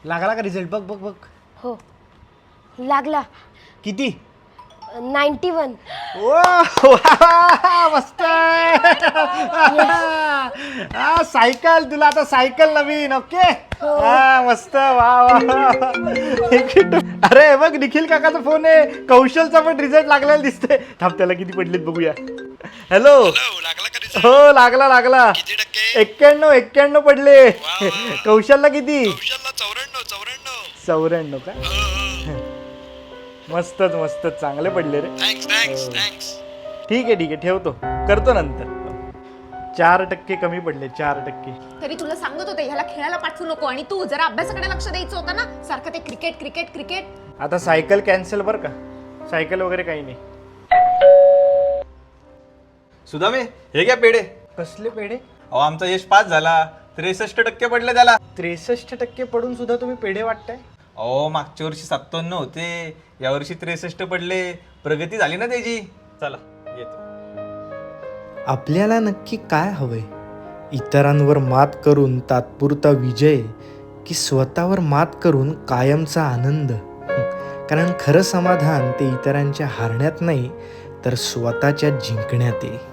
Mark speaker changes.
Speaker 1: लागला का रिझल्ट? बघ बघ बघ.
Speaker 2: हो लागला.
Speaker 1: किती?
Speaker 2: 91.
Speaker 1: मस्त. सायकल तुला आता सायकल नवीन. ओके मस्त. वा वा. अरे बघ निखिल काकाचा फोन आहे. कौशलचा पण रिझल्ट लागलेला दिसतोय. थांब त्याला किती पडलेत बघूया. हॅलो. हो लागला लागला. 91 पडले. कौशलला किती? 94 का? मस्तच मस्तच चांगले पडले रे. ठीक आहे ठेवतो, करतो नंतर. 4% कमी पडले. 4%.
Speaker 3: तरी तुला सांगत होते ह्याला खेळायला पाठवू नको आणि तू जरा अभ्यासाकडे लक्ष द्यायचं होतं ना. सारखं ते क्रिकेट क्रिकेट क्रिकेट.
Speaker 1: आता सायकल कॅन्सल बर का. सायकल वगैरे काही नाही.
Speaker 4: सुदामे हे घ्या पेढे.
Speaker 1: कसले पेढे?
Speaker 4: अहो आमचा यश पास झाला. 63% पडले त्याला.
Speaker 1: 63% पडून सुद्धा तुम्ही पेढे वाटताय?
Speaker 4: अहो मागच्या वर्षी 57 होते, यावर्षी 63 पडले. प्रगती झाली ना त्याची. चला येतो.
Speaker 5: आपल्याला नक्की काय हवंय? इतरांवर मात करून तात्पुरता विजय की स्वतःवर मात करून कायमचा आनंद? कारण खरं समाधान ते इतरांच्या हारण्यात नाही तर स्वतःच्या जिंकण्यात आहे.